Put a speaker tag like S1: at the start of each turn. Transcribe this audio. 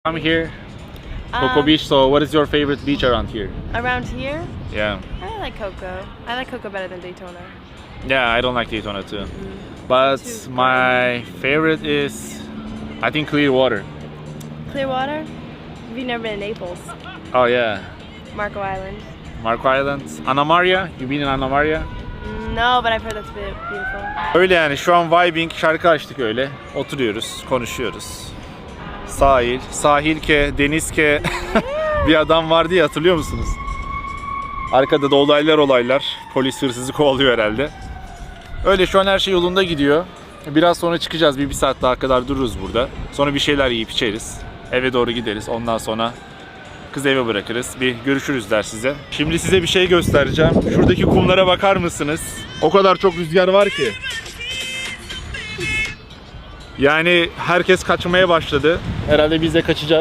S1: I'm here, Cocoa Beach. So, what is your favorite beach around here?
S2: Around here,
S1: Yeah,
S2: I like Cocoa. I like Cocoa better than Daytona.
S1: yeah. I don't like Daytona too, but
S2: Too
S1: my favorite is, I think, Clearwater.
S2: Clearwater? Have you never been to Naples?
S1: Oh yeah,
S2: Marco Island?
S1: Marco Island, Anna Maria. You been in Anna Maria?
S2: No, but I've heard that's beautiful.
S1: Öyle yani. Şu an vibing, şarkı açtık öyle. Oturuyoruz, konuşuyoruz. Sahil ke, deniz ke. Bir adam vardı ya, hatırlıyor musunuz? Arkada da olaylar. Polis hırsızı kovalıyor herhalde. Öyle, şu an her şey yolunda gidiyor. Biraz sonra çıkacağız. Bir saat daha kadar dururuz burada. Sonra bir şeyler yiyip içeriz. Eve doğru gideriz. Ondan sonra kızı eve bırakırız. Bir görüşürüz der size. Şimdi size bir şey göstereceğim. Şuradaki kumlara bakar mısınız? O kadar çok rüzgar var ki. Yani herkes kaçmaya başladı. Herhalde biz de kaçacağız.